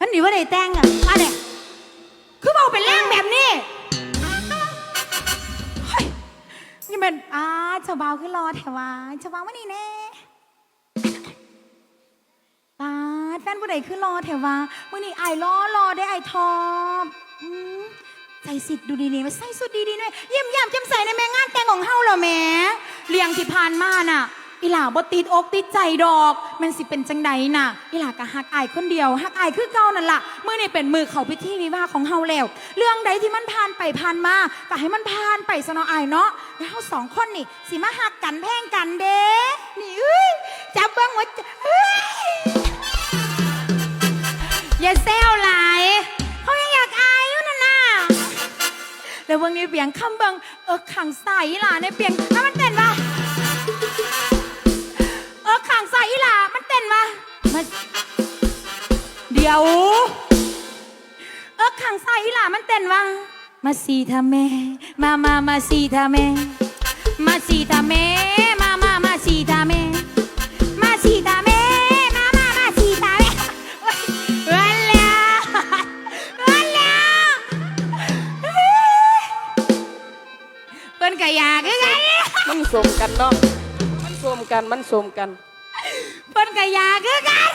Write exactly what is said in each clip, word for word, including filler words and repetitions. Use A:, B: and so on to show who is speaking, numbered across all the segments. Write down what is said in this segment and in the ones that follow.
A: มันหนีว่าได้แต่งอ่ะมาเนี่ยคือเบาเป็นแรงแบบนี้เฮ้ยนี่มันอ้าเจ้าเบาคือรอแถวะเจ้าเบามานี่แน่ป้าแฟนผู้ใดคือรอแถวะมื่อนี้ไอ้รอรอได้ไอ้ทอบใส่สิทธิ์ดูดีๆมาใส่สุดดีๆหน่อยเยี่ยมยามจำใส่ในแม่งานแต่งของเฮาเหรอแม่เลี้ยงที่ผ่านมาน่ะอีหล่าบ่ติดอกติดใจดอกมันสิเป็นจังใดน่ะอีหล่ากะฮักอายคนเดียวฮักอายคือเก่านั่นล่ะมื้อนี้เป็นมือเข้าพิธีวิวาห์ของเฮาแล้วเรื่องใดที่มันผ่านไปผ่านมาก็ให้มันผ่านไปซะเนาะอายเนาะแล้วเฮาสองคนนี่สิมาฮักกันแพงกันเด้นี่เอ้ยจับเบิ่งว่าเอ้ยอย่าแซวหลายเฮายังอยากอายอยู่นั่นน่ะแล้วเบิ่งนี่เปียงคำเบิ่งเออขังใส่อีหล่าในเปียงถ้ามันเต้นว่าเออขังใส่อีหล่ามันเต้นมามาเดี๋ยวเออขังใส่อีหล่ามันเต้นว่ามาสีทาแม่มามามาสีทาแม่มาสีทาแม่มามามาสีทาแม่มาสีทาแม่มามามาสีทาแม่เอิ้นแล้วเอิ้นแล้วเปิ้นก็อยากคือกัน
B: มันสมกันเนาะมันสมกันมันสมกัน
A: เปิ้นก็อยากคือกัน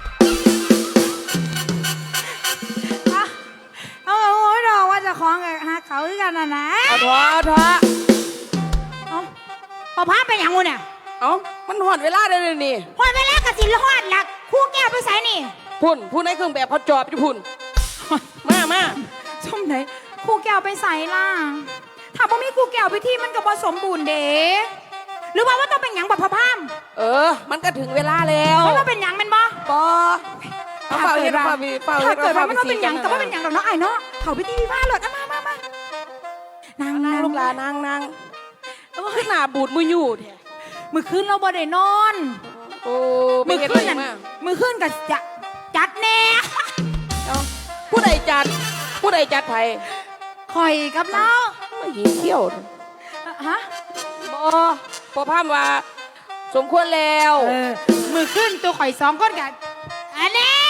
A: เอาเอาโอ้ยดอกว่าจะคล้องกับฮะเขาคือกันนะนะ
B: เอาทว่าเอาทว่า
A: เอาพอพาไปอย่างงูเนี่ย
B: เอามันหอดเวลาเลยนี่
A: หอดเวลากระสินหอดหลักคู่แก้วไปใส่นี่
B: พุ่นพุ่นในเครื่องแบบเขาจอบอยู่พุ่นมามา
A: ชมไหนคู่แก้วไปใส่ล่ะถ้าบ่มีคู่แก้วไปที่มันก็บ่สมบูรณ์เด้หรือว่าว่าต้องเป็นหยังแบบพะพาม
B: เออมันก็ถึงเวลาแล้ว
A: มันว่าเป็นหยังเป็นบ่
B: บ่เอาเป่าเฮ็ดเป่าบีเป่าเฮ็ด
A: เกิดว่ามันว่าเป็นหยังแต่ว่าเป็นหยังดอกเนาะไอ้เนาะเขาพิธีวิวาห์เลยมามามานั่งนั่ง
B: ลูกหลานนั่งนั่งขึ้นหน้าบูดมืออยู่แท้
A: มือขึ้นเราบ่ได้นอน
B: โอ้
A: มือขึ้นนั่นมือขึ้นกับจะจัดแน่
B: ผู้ใดจัดผู้ใดจัดไผ
A: คอยกับเนาะ
B: ไม่หิวเขี้ยว
A: ฮะ
B: บ่พอพามว่าสมควรแล้ว
A: มือขึ้นตัวข่อยสองคนกันอันนี้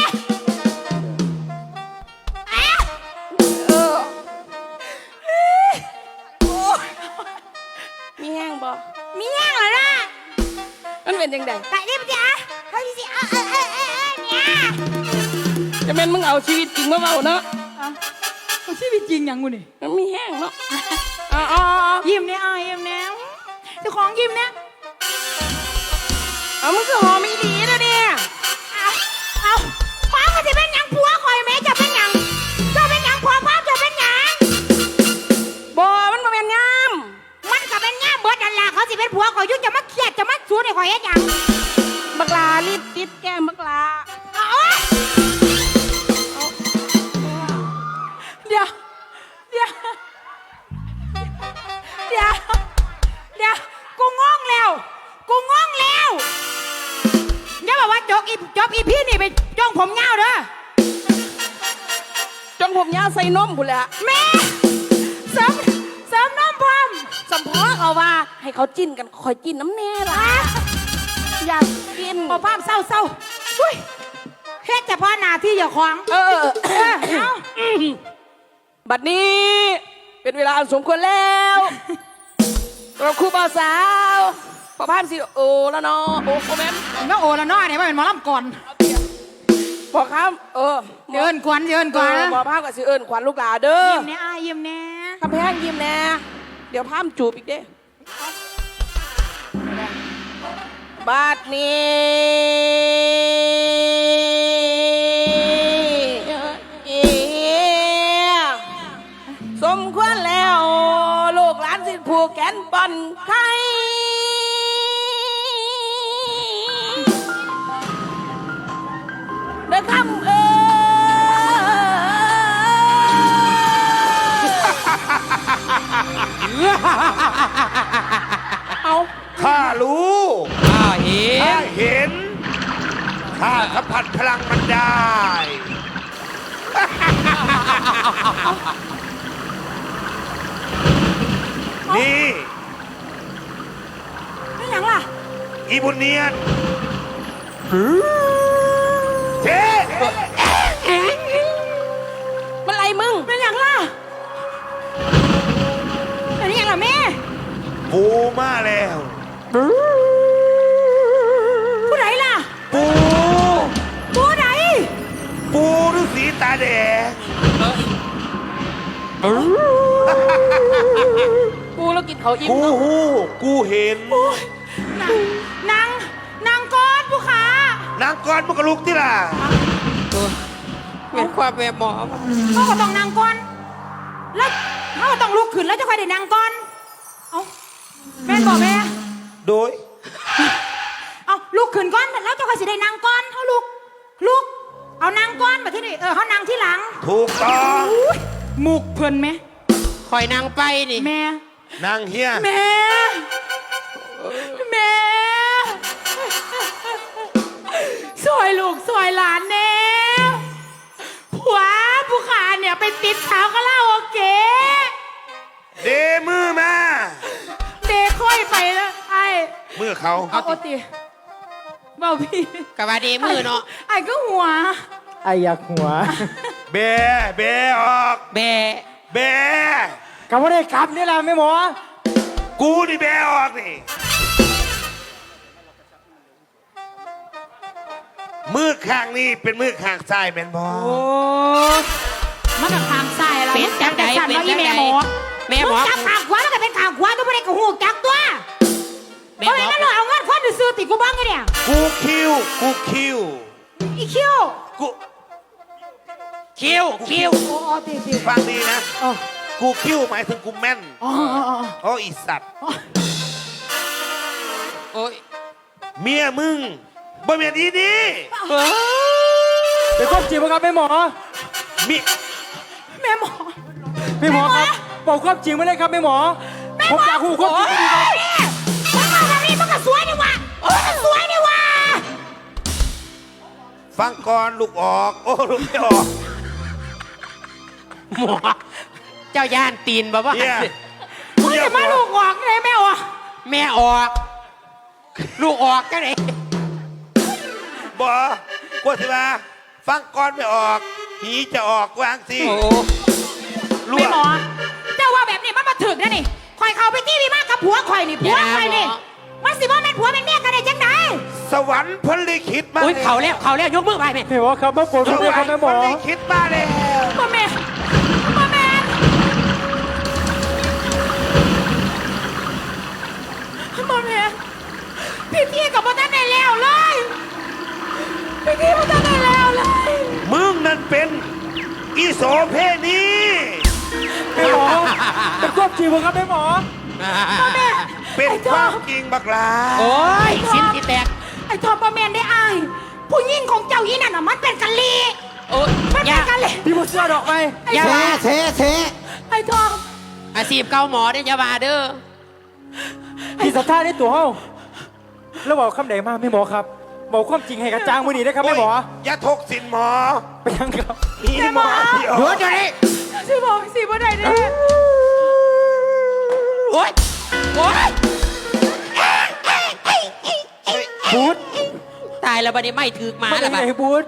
B: เออมีแห้งบ่
A: มีแห้งเหรอล่ะ
B: มันเป็นยังไง
A: ไปดิบจ้ะเฮ้ยสิเออเออเออเออเนี่ย
B: จะเป็นมึงเอาชีวิตจริงมาเบาเนาะ
A: เอาชีวิตจริงยังกูนี่
B: มันมีแห้งเนาะอ๋ออ๋อ
A: ยิ้มเนี่ยอ่ะยิ้มเนี่ยเจ้าของยิ้มเนี่ย
B: เอามึงคือหอมอีดีนะเนี่ย
A: เอาเอาป้าก็จะเป็นยังผัวคอยแม่จะเป็นยังจะเป็นยังผัวป้าจะเป็นยัง
B: บ่มันมาเป็นงาม
A: มันก็เป็นงามเบิดนั่นแหละเขาสิเป็นผัวคอยยุ่งจะมาเครียดจะมาสู้ในคอยเฮ็ดยัง
B: บักลาลิปติดแก้มบักลา
A: เดี๋ยวเดี๋ยวเดี๋ยวเดี๋ยวกูงงแล้วกูงงแล้วอย่าบอกว่าจกอีจบอีพี่นี่ไปจ้องผมเงาเด้อ
B: จ้องผมยาวใส่นมกูแหละ
A: แม่เสริมเสริมนมพร้อม
B: สัมพอเขาว่าให้เขาจิ้นกันคอยจิ้นน้ำแน่ละอยากกิน
A: พอภาพเศร้าเศร้าอุ้ยเฮ็ดเฉพาะหน้าที่อย่าขวาง
B: เออเอาบัดนี้เป็นเวลาสมควรแล้วเราคู่บ่าวสาวพอภาพสิโอแล้วเนาะโอ้โหแม่
A: แม่โอแล้วเนาะเนี่ยมันเป็นหมอลำก่อน
B: พอครับเออ
A: เดินกวนเดินกวน
B: พอภาพกับสิเอิญขวัญลูกหลาเด้อ
A: ยิ้มแน่อายยิ้มแน่
B: คำแพงยิ้มแน่เดี๋ยวภาพจูบอีกเด้บัดนี้สมควรแล้วลูกหลานสิผูกแขนปอนไข่เด้อคำเออเอา
C: ข้ารู้
D: ข้าเห็น
C: ข้าเห็นข้าสัมผัสพลังมันได้นี่
A: ไม่หยังล่ะ
C: อีบุญเนียนเจ๊มาแล้ว
A: ผู้ใดล่ะ
C: ปู
A: ผู้ใด
C: ปูฤาษีตาแดง
B: กูแล้วกินเขาอิ่ม
C: กู
B: เนาะ
C: หูกูเห็น
A: นางนางก้อนผู้ขาน
C: างก้อนมันก็ลุกที่ล่ะ
B: เป็นความแม่หมอ
A: เขาก็ต้องนางก้อนแล้วเขาก็ต้องลุกขึ้นแล้วจะค่อยได้นางก้อนเอาแม่นบอกแม่
C: โดย
A: เอาลุกขึ้นก้อนแล้วจะค่อยสิได้นางก้อนเขาลุกลุกเอานางก้อนมาที่นี่เออเขานางที่หลัง
C: ถูกต้อง
A: อุ๊ยหมุกเพิ่นไหม
B: คอยนางไปนี่
A: แม่
C: นางเฮีย
A: แม่แม่สวยลูกสวยหลานแน่ผัวผู้ขาเนี่ยไปติดสาวก็เล่าโอเค
C: เดมือมา
A: เดค่อยไปแล้วไอ้
C: มือเขา
A: เอาโอติเบาพี่
B: กะว่าเดมือเนาะ
A: ไอ้ก็หัว
D: ไออยากหัว
C: เบเบออก
B: แบ
C: เบ
D: กำว่าได้กลับนี่แหละแม่หมอ
C: กูนี่เบออกนี่มือข้างนี้เป็นมือข้างซ้ายเป็นบอ
A: โอ้มันกับทางซ้ายอะไร
B: เป็นจังใด
A: สั่น
B: เป็น
A: ว่าอี
B: จัง
A: แม่
B: ใด
A: หมอ
B: แม่หมอ
A: งจับขางขวาแล้วก็เป็นขางขวาตัวไม่ได้กับหูจักตัว
B: แม่
A: เพราะ
B: หมอ
A: งั้นเราเอาเงินควันซื้อติกูบ้างไงเนี่ย
C: กูคิวกูคิว
A: อีคิว
C: กู
B: คิวคิว
A: โอ้โอ้ติติ
C: ฟังดีนะ
A: โอ้
C: กูคิวหมายถึงกูแม่น
A: อ๋ออ๋ออ๋อ
C: โอ้อีสัตว์
B: โอ้ย
C: เมียมึงบ่เมียดีดี
B: เฮ้ย
D: เป็นความจริงไหมครับแม่หมอ
C: มี
A: แม่หมอ
D: แม่หมอครับบอกความจริงมาเลยครับแม่หมอ ผมอยากหูความจริงดีครับ
A: เนี่ยมันมาแบบนี้มันก็สวยนี่หว่ามันก็สวยนี่หว่า
C: ฟังก่อนลูกออก โอ้ลูกไม่ออก
B: หมอเจ้าย่านตีนบ่ว่า
C: เนี่ย
A: มึงจะมาลูกออกเลยแม่วะ
B: แม่ออก ลูกออกจังไหน
C: บอกว่าสิมาฟังก่อนไม่ออกหีจะออกวางสิ
B: โอ้
C: รั่
A: แม่
C: ว
A: หมอเจ้าว่าแบบนี้มันมาถึกนะนี่คอยเข้าไปที่พี่มากกับผัวคอยนี่ผัวคอยนี่มันสิว่าเป็นผัวเป็นเมียกันได้จังได
C: สวรรค์พลิขิตมา
B: อุ้ยเขาแล้วเขาแล้วยกมือไปแม่
D: แม่หมอครับมาโปรด
C: ส
D: ผมด้วย
C: ว
D: ค
C: ร
D: รับ
C: ร
D: แม่
C: ค์
D: หม
C: พ
D: อ
C: ลิขิตมาแล้ว
A: พ่อแม่พ่อแม่พ่อแม่พี่พี่กับพ่อท่านได้แล้วเลยพี่พี่พ่อท่านได้แล้วเลย
C: มึงนั่นเป็นอีโสเพณี
D: แม่หมอเป็นความจริงไหมครับแม่หมอ
C: เป็นความจริงบักลา
B: โอ้ยสิ้นที่แตก
A: ไอ้ทอมพ่อแม่ได้อายผู้หญิงของเจ้ายี่นั่นน่ะมันเป็นกะลี
B: โอ้ย
A: มัน
B: อ
A: เป็
B: ย่าน
A: กะลี
D: พี่บุเสื้อดอกไหม
B: อย่าว่า
D: เทเท
A: ไอ้ทอม
B: อาชีพเก่าหมอเนี่ยอย่าว่าเด้อ
D: พี่สัทธาในตัวเฮาแล้วบอกคำไหนมาแม่หมอครับ บอกความจริงให้กระจ่างมือนี้นะครับแม่หมอ
C: อย่าทกสินหมอ
D: ไปยังครับ
C: อีหมอที่ออก
B: เดี๋ยวเดี๋ยวนี้
A: สิบอกสิบ่ได้เด้อ
B: โอ้ยโอ้ย
D: บูธ
B: ตายแล้วบัดนี้ไม่ถือหมา
D: มา
B: แล้วบัด
D: ไหนบูธ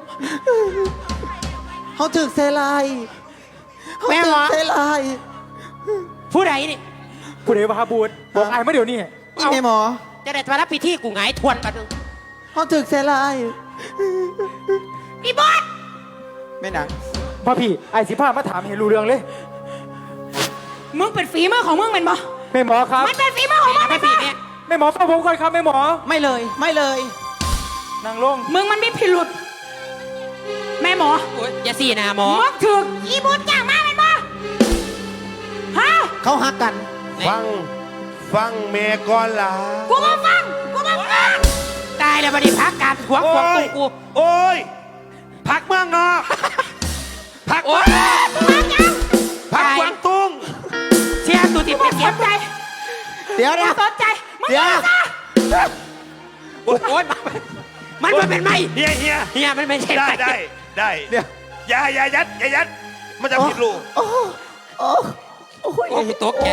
E: เขาถึกเซลายเขา
B: แม่
E: ถึ
B: หม
E: ก
B: อ
E: เซลาย
B: ผู้ใดนี่
D: ผู้ใดมาหาบูธบอกไอ้มาเดี๋ยวนี้
E: นี่แม่หมอ
B: จะได้มารับพิธีกูหงายทวนกันนึง
E: เขาถึกเซลาย
A: อีบอส
E: แม่หนัง
D: พ่อพี่ไอ้สิพามาถามเห็นรู้เรื่องเลย
A: มึงเป็นฝีมือของมึงเป็นบ่
D: แม่หมอครับ
A: มันเป็นฝีมือของมึง
B: ไม่
A: เป็น
B: ผิ
A: บ่
B: ดเนี่ย
D: แม่หมอฟังผมก่อนครับแม่หมอ
E: ไม่เลยไม่เลย
D: นางลง
A: มึงมันมีพิรุษแม่หมอ
B: โอ้ยอย่าสี่นาหมอ
A: มึงถึกอีบุญจ้างมาเป็นบ่ฮะ
E: เขาหักกัน
C: ฟัง ฟังเมก่อนล่ะ
A: กูมาฟังกูมาฟัง
B: ตายแล้วบัดนี้พักการขวางขวางตุ้งกู
C: โอ้ยพักเมืองนอกพัก
B: โอ้ย
A: มาจัง
C: พักกวางตุ้ง
B: เชียร์ตัวที่
A: มึ
B: เป็
A: ง
B: น
A: ส
B: เก็บ
A: นใจ
E: เดี๋ยว
A: มึ
E: เดี๋ย
A: ง
E: ว
A: สนใจมึง
E: เดี๋ยว
A: มาซะ
B: โอ้ยมันมันเป็นไม่
C: เฮียเฮีย
B: เฮียมันไม่ใช่
C: ได้
B: ไม่
C: ได้ได้
E: เดี๋ยว
C: อย่าอย่ายัดอย่ายัด มันจะผิดลูก
E: โอ้โอ้โอ้ย
B: โอ้กูตกใจ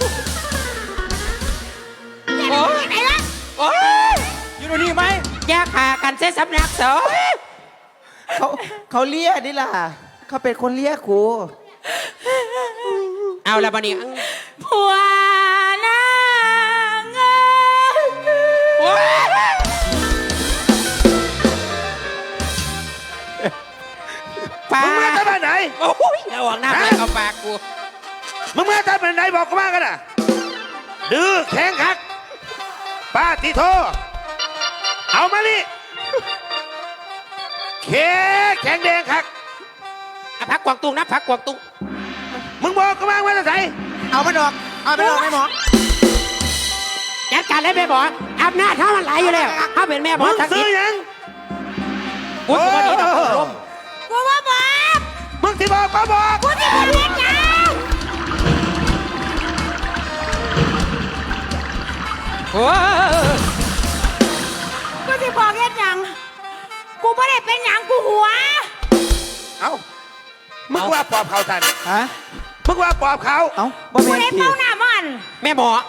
B: โอ้ย
A: ไหนล่ะ
B: โอ้ย
D: อยู่ตรงนี้ไหม
B: แยกขากันเส้นสำนักสอง
E: เขาเขาเลี้ยนี่ล่ะเขาเป็นคนเลี้ยกู
B: เอาละบัดนี้
A: ผัวนางเอ้
E: ปลา
C: มึงมาจากบ้านไหน
B: โอ้ยระวังหน้าไปเอาปากกู
C: มึงมาจากบ้านไหนบอกกูมากันน่ะดื้อแข็งขัดป้าติโทเอามานี่แข็งแข็งแดงคัก
B: อ่ะพักกวางตุ้งนะพักกวางตุ้ง
C: มึงบอกกูมาว่าจะใส่
E: เอามันออกเอามันออกแม่หมอ
B: จัดการเลยแม่หมออำนาจเขามันไหลอยู่แล้วเขาเป็นแม่หมอ
C: มึง
B: ทัก
C: ซื้
B: ษิ
C: อ
B: ณ
C: ยัง
B: กูสวัสดีนะคุณลม
A: กูว่าบอก
C: มึงที่บอกก็บอก
A: กูจะบอกเล่นยัง
B: โอ้ย
A: กูจะบอกเล่นยังกูไม่ได้เป็นหยังกูหัว
C: เอ้ามึงว่าปอบเขาทัน
E: ฮะ
C: มึงว่าปอบเขา
E: เอ้าบ่
A: กู
E: แม่น
A: ได้
E: สิ
A: เป้าหน้ามัน
B: แม่หมอ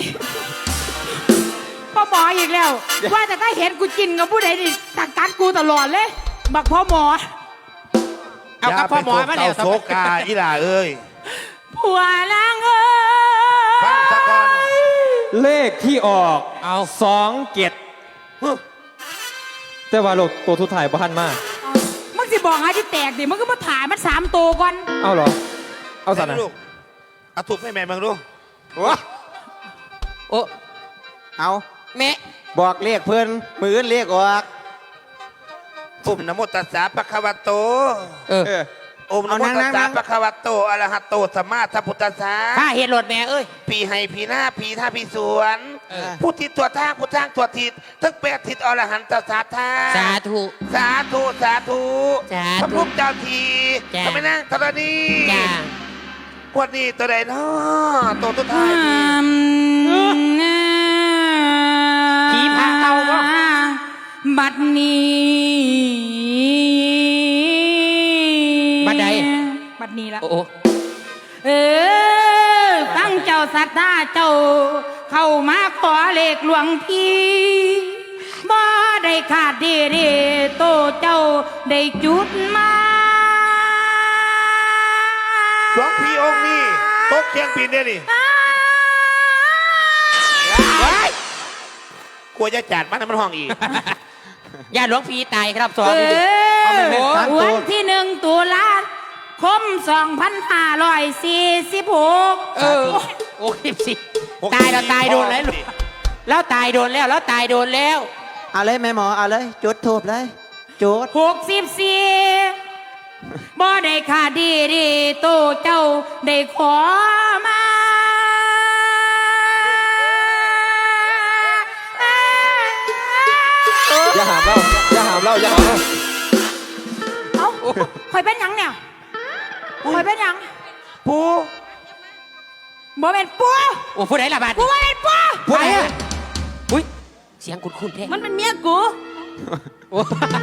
A: พ่อหมออีกแล้ว ว่าแต่ถ้าเห็นกูกินกับผู้ใดนี่ตักกัดกูตลอดเลย บักพ่อหมอ
B: เอากับพ่อหมอมาแล้ว
C: ย่าไปโศกกาอีหล่าเอ้ย
A: ผัวลางเอ้
C: ฟังซะก่อน
A: ย
D: เลขที่ออก
B: เอา
D: สองเจ็ดแต่ว่าโลกตัวทุกถ่ายบ้านมาก
A: เอามึงสิบอกหาที่แตกดิมึงก็มาถ่ายมันสามตัวก่อน
D: เอาเหรอ เอาสัน
C: ไหน
D: นะ
C: ลูกเอาถูกให้แม่มึงดู
B: โอ้
E: เอา
B: แม่
E: บอกเลขเพื่อนมือเลขออก
C: ปุ่มนะโมตัสสะปะคะวะโต
B: เออ
E: เออ
C: โอมนะโม
E: เอานั่
C: ตั
E: ง
C: ส
E: นั่
C: สะ
E: ง
C: ปะคะวะโตอะระหะโตสัมมาสัมพุทธัสสะ
B: ข้าเห็นรถแม่เอ้ย
C: ปีให้ปีหน้าปีท่าปีสวน
B: เออ
C: ผู้ทิศตัวทางผู้ทางตัวทิศทั้งแปดทิศอรหันตสาธา
B: สาธุ
C: สาธุสาธุ
B: สาธุ
C: พระพุทธเจ้าที
B: จ้ะ
C: ทำไมนั่งธรณี
B: จ้า
C: ขวดนี้ตัวใดเนาะตัวตัวท้าย
B: ผีพาเอาบ่
A: บัดนี้
B: บัดใด
A: บัดนี้ละ
B: โอ้โห
A: เออตั้งเจ้าสัตว์เจ้า เข้ามาขอเลขหลวงพี่บ่ได้ขาดเดเดโตเจ้าได้จุดมา
C: หลวงพี่องค์นี้ตกเชียงบินเนี่ยนี่กลัวจะจัดมันให้มันห้องอีก
B: อย่าหลวงพี่ตายครับสอง
A: เอ
E: เอาไป
A: อ
E: เป็นสามตัว
A: วันที่หนึ่งตุลาคมสองพันห้าร้อยสี่สิบหก
B: เออโอ้ยสิตายแล้วตายโดนแล้วลูกแล้วตายโดนแล้วแล้วตายโดนแล้ว
E: เอาเลยแม่หมอเอาเลยจุดทูบเลยจุด
A: หกสิบสี่บ่ได้ขาดดีดีโตเจ้าได้ขอมา
D: อย่าหามเล่าอย่าหามเล่าอย่าหามเล่า
A: เอ้าคอยเป็นหยังเนี่ยคอยเป็นหยัง
C: ปู
A: บ่เป็นปู
B: โอ้ผู้ใดละบาด
A: กูว่าเป็นปู
B: ผู้ใดอะอุ้ยเสียงคุ้นๆแท้
A: มันเป็นเมียกู
B: โอ้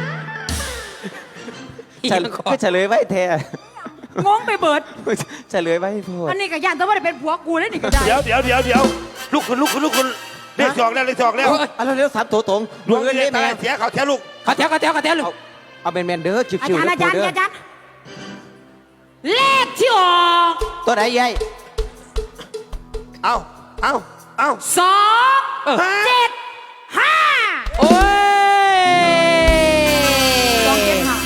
E: เฉลยก็เฉลยไว้แท้
A: งงไปเบิด
E: เฉลยไว้พูด
A: อันนี้ก็ย่านแต่ว่าได้เป็นผัวกูแล้วนี่ก็ได้
C: เดี๋ยวเดี๋ยวเดี๋ยวเดี๋ยวลุกขึ้นลุกขึ้นลุกขึ้นเลขสองแล้วเลขสองแล้ว
E: เอาเร็วๆสามตัวตรง
C: ดวง
E: มือ
C: เล
E: เล
C: ข
E: ข
C: ตา
E: แม่
C: ยเสียเขาแท้ลูก
B: เขาแถวเขาแถวเขาแถวลูก
E: เอาเป็นแมนเด้อจิ๋
A: อาจารย์
E: ว
A: อาจารย์
E: ๆเด้อ
A: อาจารย์เลขที่ออก
E: ตัวไหนยัย
C: เอาเอาเอา
A: สองเจ็ดห้า
B: โอ้ย
A: สองเจ็ดห้า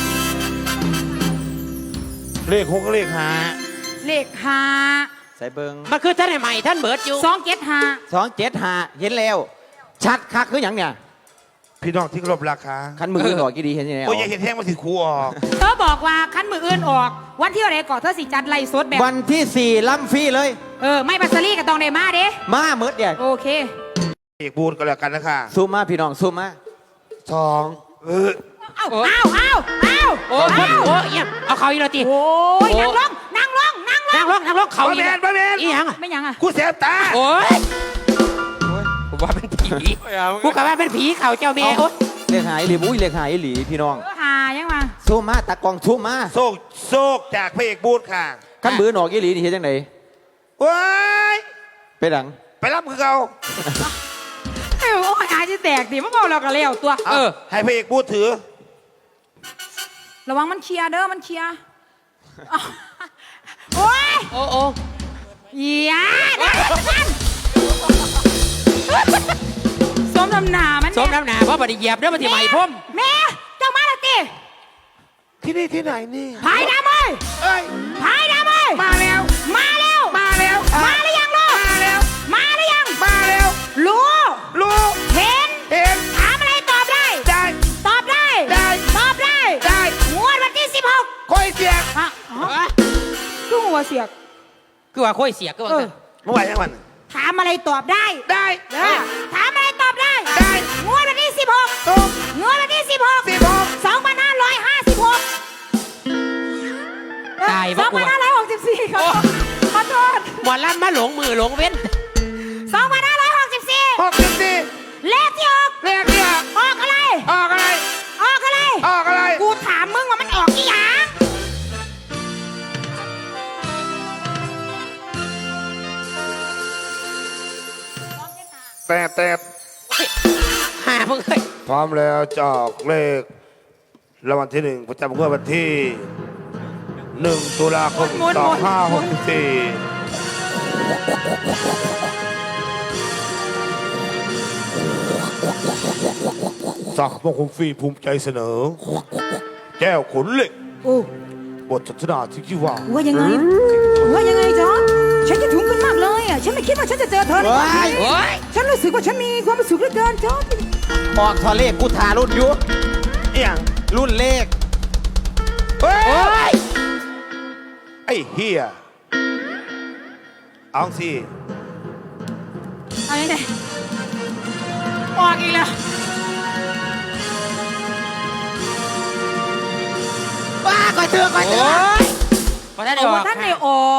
C: เลขหกกับเลขห้า
A: เลขห้า
E: ใส่เบิง
B: มันคือท่านใหม่ท่านเบิร์ดอยู่
A: สองเจ็ดห้า
E: สองเจ็ดห้าเห็นแล้ว ชัดคักคืออย่างเนี่ย
C: พี่น้องที่เคารพราคา
E: คันมือหน่อยกี่ดีเห็นยังไง
C: โอ้ยอย่าเห็นแท่งมาสิครูออก
A: เธอบอกว่าคันมืออื่นออก วันที่อะไรก่อนเธอสิจัดไล่สดแบบ
E: วันที่สี่ล่ำฟรีเลย
A: เออ ไม่บัสซารี่กับตองเดมาเด้
E: มาเมิดเนี่ย
A: โอเค
C: เอกบูนก็แล้วกันนะคะ
E: ซูมมาพี่น้องซูมมา
C: สองเออ
A: เอ้าเอ้าเอ้าเอ้า
B: โอ้ยโอ้ยเอี่ยมเอาเขาอีกแล้วตี
A: โอ้ยนั่งลงนั่งลงนั่งล
B: นั่
A: ง
B: งลงนั่งลงเขา
C: บะ
B: อี
C: แม
B: ก
C: นบะแมน
B: อีหยังอะ
A: ไม่ยังอ่ะ
C: กูเสียตา
B: โอ้ยผมว่าเป็นผีกูกะว่าเป็นผีเขาเจ้าแม่โอ้ย
E: เลขหายหลีบุ้ยเลขหายหลีพี่น้อง
A: เออหายังมา
E: ซูมมาตากล้องซูมมา
C: โซกโซกจากพระเอกบูนค่ะ
E: คันมือหนอกกี่หลีนี่เห็นยังไง
C: ว้าย
E: ไปดัง
C: ไปรับคือเขา
A: เอ้ยโอ้ยหาจะแตกดิมันบอกเราก็เลี้ยวตัว
C: เออให้พระเอกบูนถือ
A: ระวังมันเคลียร์เด้อมันเคลียร์อ้าวโอ้ย
B: โอ้โอ้
A: อย่านะนั่นสมน้ำหนามัน
B: สมน้ำหนาเพราะบไดเหยียบเด้อมาที่ใหม่พ่ม
A: แม่เจ้ามาและติ
C: ที่นี่ที่ไหนนี่
A: พายดำเอ้ย
C: เอ้ย
A: พายดำเอ้ย
C: มาแล้ว
A: มาเร็ว
C: มาแล้ว
A: มาหรือยังลูก
C: มาแล้ว
A: มาหรือยัง
C: มาแล้ว
A: รู้
C: รู้
A: เห็น
C: เห็น
A: ถามอะไรตอบได้
C: ได้
A: ตอบได้
C: ได้
A: ตอบได้
C: ได้
A: งวดวันที่สิบหก
C: ค่อยเสียง
A: ฮะคือหัวเสียก
B: คือว่าค่อยเสียก็ว่า
A: เออ
B: กัน
C: เมื่อไหร่ยังวัน
A: ถามอะไรตอบได้
C: ได้
A: เออถามอะไรตอบได้
C: ได้
A: งวดวันที่สิบหก
C: ตุ๊ก
A: งวดวันที่สิบหก
C: สิบหก
A: สองพันห้าร้อยห้าสิบหก
B: ตาย
A: ส
B: บ่
A: อง
B: กลั
A: พัน
B: ว
A: ห้าร้อยหกสิบสี่ขอโทษขอโทษ
B: หมอลำมาหลงมือหลงเว้น
A: สองพันห้าร้อยหกสิบสี่
C: หกสิบสี่
A: เลขที่ออก
C: เลขที่ออก
A: ออกอะไร
C: ออกอะไร
A: ออกอะไร
C: ออกอะไร
A: กูถามมึงว่ามันออกกี่หาง
C: แต่แต่
B: หาเพิ่งเคย
C: พร้อมแล้วจะออกเลขรางวัลที่หนึ่งประจำงวดวันที่หนึ่งตุลาคมสองห้าหกสี่สักดิ์มงคลฟรีภูมิใจเสนอ แก้วขนเหล็ก
A: โอ้
C: บทสนทนาที่ชื่อว่า
A: ว่ายังไงว่ายังไงจ๊อฉันคิดถึงกันมากเลยอ่ะฉันไม่คิดว่าฉันจะเจอเธอในวันนี้
B: โอ้ย
A: ฉันรู้สึกว่าฉันมีความสุขเหลือเกินจ๊อ
E: ออกทอเลขกูทารุ่นอยุ
C: เอียง
E: รุ่นเลข
C: เฮ้ย
B: โอ้ย
C: ไอ้เฮียเอาสิ
A: เอายังไงออกอีกแล้ว
E: ว้าก่อยเถื่อก่อยเถื่อ
B: พอได้เดี๋ยว
A: โอ้ท่านไม่ออก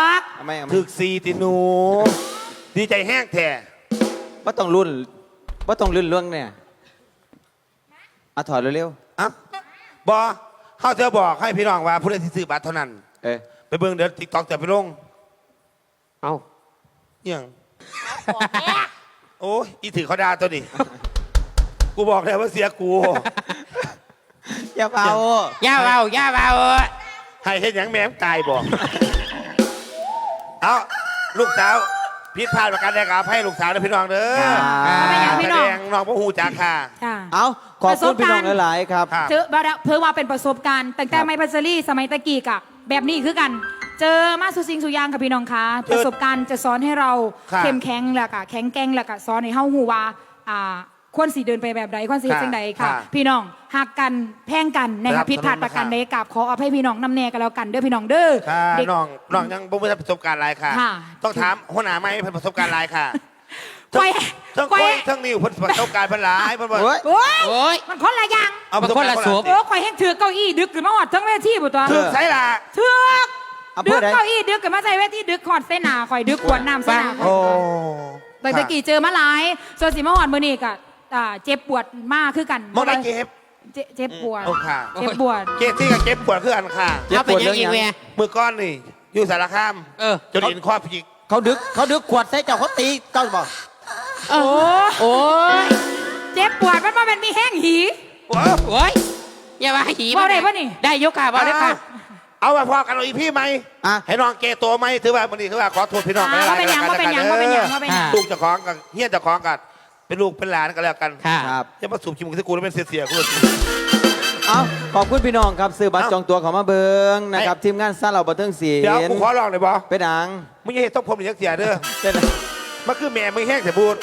E: เอาไหมเอาไหม
C: ถึกซีติหนู ดีใจแห้งแท้
E: ว่าต้องรุ่นว่าต้องรุ่นเรื่องเนี่ยเอาถอดเร็ว
C: อ่ะบอเขาจะบอกให้พี่น้องว่าผู้เล่นที่ซื้อบัตรเท่านั้น
E: ๆเอ้ย
C: ไปเบิ่งเดี๋ยวติ๊กต็อกจะไปลง
B: เอา
C: เอียงโอ้ยอีถือเขาดาตัวนี้ กูบอกแล้วว่าเสียกู
E: อย่าเบา
B: ย่าเบาย่าเบา
C: ให้เห็นอย่างแม่มตายบอก เอาลูกสาวพิษพลาดประการใดกับให้ลูกสาวและพี่น้องเด้อ
A: ไม่อยาก
C: แส
A: พี่น้
C: ด
A: อง
C: งน้องพระหูจากค่ะ
A: จ้า
E: เอาขอบคุณพี่น้องหลายๆครับ
C: ครับ
A: เจอบ่ได้เพื่อว่าเป็นประสบการณ์ตั้งแต่
E: ครับ
A: ไม่พัชรีสมัยตะกี้กะแบบนี้คือกัน เจอมาสุสิงสุยางค่ะพี่น้องคะประสบการณ์จะสอนให้เรา
C: ครับ
A: เข้มแข็งแล้วก็แข็งแกร่งแล้วก็สอนให้เฮาฮู้ว่าอ่าควรสิเดินไปแบบใดควรสิเฮ็ดจังใด
C: ครั
A: ค่ะ
C: บ
A: พี่น้องหักกันแพงกันนะ
C: ครั
A: คะ
C: บ
A: ผิดพลาดประการใดกับขออภัยพี่น้องน้ำแน่กันแล้วกันเด้อพี่น้องเด้อ
C: ค่ะ
A: เด็ก
C: น้องน้องยังบ่มีประสบการณ์อะไรค่ะ
A: ค่ะ
C: ต้องถามหัวหน้าไม่เป็นประสบการณ์อะไรค่ะ
A: ก้อย
C: ทั้ง
A: ก้
C: ก้
A: อ
C: อย ยทั้งนิ้วเพิ่นประสบการณ์เพิ่นหลายเพิ่นบอก
E: โอ้ย
A: โอ้ย
B: โอ้ย
A: มันคนละอย่าง
C: เอาประสบการณ์
B: มันคนละสูบ
A: โอ้ข่อยแห้งถือเก้าอี้ดึกขึ้นมาหอดทั้งเวทีบ่ตัว
C: ถือใส่ละ
A: ถือก
E: เอา
A: ดึ
E: เพื่
A: ก
E: อใด
A: เก้าอี้ดึกขึ้นมาใส่เวทีดึกขอดเส้นหนาข่อยดึกขวดน้ำเส้นหนาข่อย
C: โอ้
A: แต่ตะกี้เจอมาหลายส่วนสิมาหอดมื้อนี้ก็อ่าเจ็บปวดมากคือกัน
C: มองได้เก็บ
A: เจ็บเจ็บปวด
C: โอ้ค่ะ
A: เจ็บปวด
C: เก็บที่กับเก็บปวดคืออันค่ะ
E: เจ็บ
B: เอา
E: ป
B: เป็น
E: วด
B: ยั
E: เรื่อง ง
B: อีก
E: ยัง
B: เว้ย
C: มือก้อนนี่อยู่สารคาม
B: เออ
C: จนอินข้อพิจิก
E: เขาดึกเขาดึกขวดใส่เจ้าเขาตีเจ้าบอก
A: โอ้
B: โอ้ย
A: เจ็บปวดมันมาเป็นมีแห้งหี
C: โอ้
B: โอ้ยอย่ามาหี
A: เว้าได้ปะนี่
B: ได้ยกค่ะเบาได้ค่ะ
C: เอาไปพอกันเอาอีพี่ไหม
E: อ่ะ
C: ให้น้องเกตัวไหมถือว่ามันนี่ถือว่าขอโทษพี่น้อง
A: อ่า
C: กั
A: ว่าเป็นหยังว่าเป็นหยังว่าเป็นหยังว่าเป็นหยัง
C: ลูกเจะคล้าของกันเฮียเจะคล้าของกันเป็นลูกเป็นหลานกันแล้วกัน
B: ค่ะ
E: ครับ
C: จะมาสูบชิมกับกูแล้วเป็นเสียๆกูเลย
E: เอาขอบคุณพี่น้องครับซื้อบัตร
C: เอ้า
E: จองตั๋วเขามาเบิงนะครับทีมงานซาเราบันเทิงศิล
C: เดี๋ยวกู
E: ป์
C: ขอลองหน่อยบอ
E: เป็นหนัง
C: มึงอย่าเห็นต้องผมหรือยังเสียเด้อ
E: เป็น
C: มันคือแม่มึงแห้งแต่บูด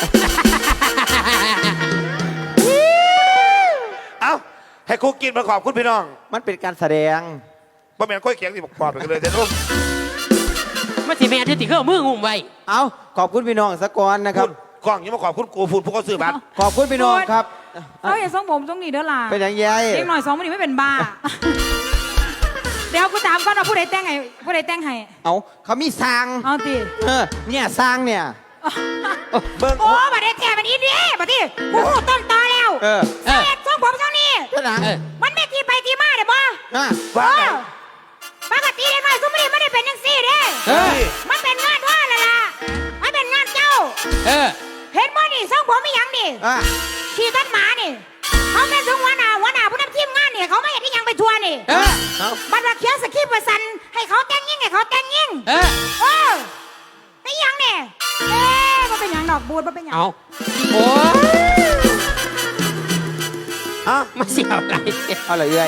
C: เอ้าให้กูกินมาขอบคุณพี่น้อง
E: มันเป็นการแสดง
C: บ่แม่นค่อยเคียงสิบอกขอบไปกันเลยเดี๋ยวลูก
B: มันสิแม่ที่ติดเครื่องมืองุ่มไว้
E: เอาขอบคุณพี่น้องสะกอนนะครับ
C: พูดกล้องอยังมาขอบคุณกูพูดพวกเขาซื้อบัตร
E: ขอบคุณพี่น้องครับ
A: เอาอย่าส่งผมส่งนี่เด้อล่ะ
E: เป็นอย่างไง
A: เด็กหน่อยสองมื้อนี้ไม่เป็นบ้า เดี๋ยวกูถามก่อนว่าผู้ใดแต่งให้ผู้ใดแต่งให้
E: เอาเขามีสร้าง
A: เอาติ
E: เออเนี่ยสร้างเนี่ย
C: เบิ้ง
A: โอ้บัดนี้แท้มันอีนี่บัดนี้กูหูต้นตอแล้ว
E: เออ
B: เออ
A: เอ็ดส่งผมส่งนี่
E: เป็นหนัง
B: เออ
A: มันไม่ที่ไปที่มาเด้อบ่
E: อ่ะ
C: ว่าไง
A: ปกติเด็กน้อยซุมื้อนี้ไม่ได้เป็นจังซี่เด้
B: เออ
A: มันเป็นงานว่าล่ะล่ะมันเป็นงานเจ้า
B: เออ
A: เห็นบ่นี่ส่งผมมีหยังนี่
E: อ่ะ
A: ขี่ต้นหมานี่เขาเป็นถึงหัวหน้าหัวหน้าผู้นำทีมงานนี่เขาไม่เห็นที่ยังไปทัวร์นี่
B: เออ
C: เอา
A: บัตรเขียนสคริปต์ประสันให้เขาแต่งยิ่งให้เขาแต่งยิ่ง
B: เออ
A: เออไอ้ยังเนี่ยเอ๊ะมันเป็นหยังดอกบูดมันเป็นหยัง
B: เอาโอ้ย
C: เอา
B: มาเสียวอะไร
E: เอาเลยเอ้ย